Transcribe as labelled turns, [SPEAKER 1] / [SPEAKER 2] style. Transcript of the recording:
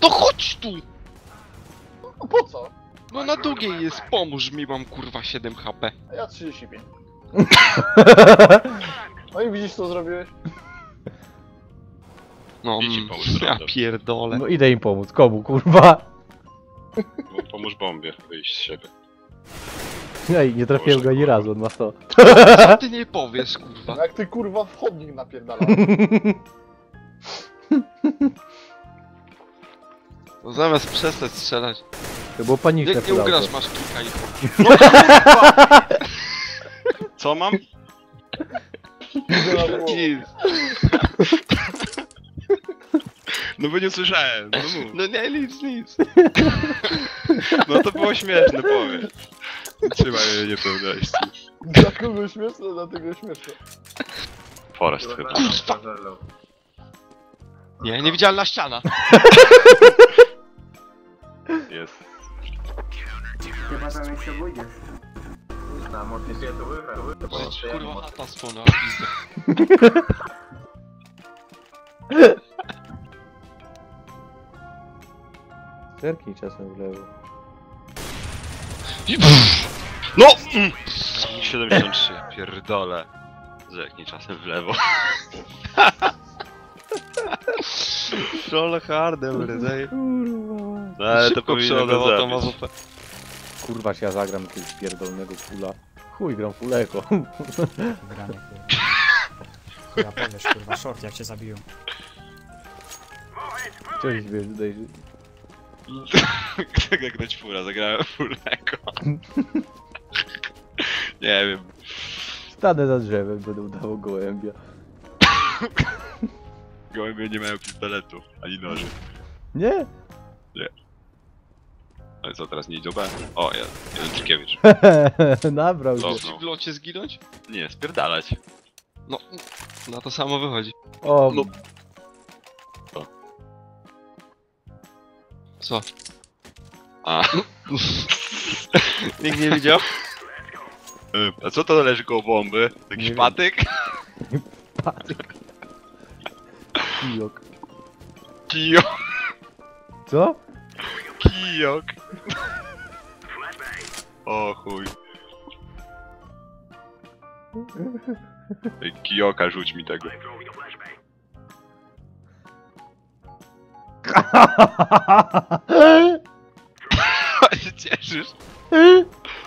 [SPEAKER 1] To chodź tu!
[SPEAKER 2] No po co?
[SPEAKER 1] No na długiej jest, pomóż mi, mam kurwa 7 HP.
[SPEAKER 2] A ja 35. No i widzisz co zrobiłeś?
[SPEAKER 1] No,
[SPEAKER 3] Idź im pomóc,
[SPEAKER 1] ja
[SPEAKER 3] prawda?
[SPEAKER 1] pierdolę.
[SPEAKER 4] No idę im pomóc. Komu, kurwa?
[SPEAKER 3] Pomóż bombie wyjść z siebie.
[SPEAKER 4] Ej, nie trafiłem go ani razu, on ma 100.
[SPEAKER 1] Co ty nie powiesz, kurwa?
[SPEAKER 2] No jak ty kurwa w chodnik napierdalał.
[SPEAKER 1] No zamiast przestać strzelać.
[SPEAKER 4] To było paniczne.
[SPEAKER 1] Jak nie
[SPEAKER 4] pudełko.
[SPEAKER 1] ugrasz, masz kika i
[SPEAKER 3] Co mam?
[SPEAKER 2] Idę na głowę.
[SPEAKER 1] nic.
[SPEAKER 3] No bo nie słyszałem, no mów.
[SPEAKER 1] No nie, nic.
[SPEAKER 3] No to było śmieszne, powiedz. Trzymaj mnie niepewności.
[SPEAKER 2] Dla kogo śmieszne, dla tego śmieszne.
[SPEAKER 3] Forest chyba.
[SPEAKER 1] Kurwa! Nie, niewidzialna ściana.
[SPEAKER 3] Jest.
[SPEAKER 5] Chyba tam się obudzisz.
[SPEAKER 1] Że ci kurwa chata spłonęła, pizdę.
[SPEAKER 4] Zerknij czasem w lewo.
[SPEAKER 3] No! 73, pierdolę. Zerknij czasem w lewo.
[SPEAKER 1] Troll hardem, rydzej.
[SPEAKER 4] Kurwa.
[SPEAKER 3] No ale to
[SPEAKER 1] Szybko
[SPEAKER 3] powinno
[SPEAKER 1] przeładował
[SPEAKER 3] go
[SPEAKER 1] tą
[SPEAKER 3] zabić.
[SPEAKER 1] mazupę.
[SPEAKER 4] Kurwa się ja zagram jakiegoś pierdolnego fula. Chuj, gram fuleko.
[SPEAKER 6] Granie, kurwa. Chuja powiesz, kurwa, short jak cię zabiją.
[SPEAKER 4] Cześć, wiesz, tutaj...
[SPEAKER 3] Jak grać fura, zagrałem fulego. Nie wiem.
[SPEAKER 4] Stanę za drzewem, będę udawał gołębia.
[SPEAKER 3] Gołębie nie mają pistoletu, ani noży.
[SPEAKER 4] Nie?
[SPEAKER 3] Ale co, teraz nie idzie B? O, jeden Trkiewicz.
[SPEAKER 4] Nabrał się.
[SPEAKER 3] Dobra.
[SPEAKER 1] Chcesz w locie zginąć?
[SPEAKER 3] Nie, spierdalać.
[SPEAKER 1] No, na to samo wychodzi.
[SPEAKER 4] O,
[SPEAKER 3] No.
[SPEAKER 1] Co?
[SPEAKER 3] A,
[SPEAKER 1] Nikt nie widział?
[SPEAKER 3] a co to leży koło bomby? Jakiś
[SPEAKER 4] Nie wiem.
[SPEAKER 3] patyk?
[SPEAKER 4] kijok.
[SPEAKER 3] Kijok.
[SPEAKER 4] Co?
[SPEAKER 3] Kijok. O chuj. Ej, Kijoka, rzuć mi tego.
[SPEAKER 1] się cieszysz?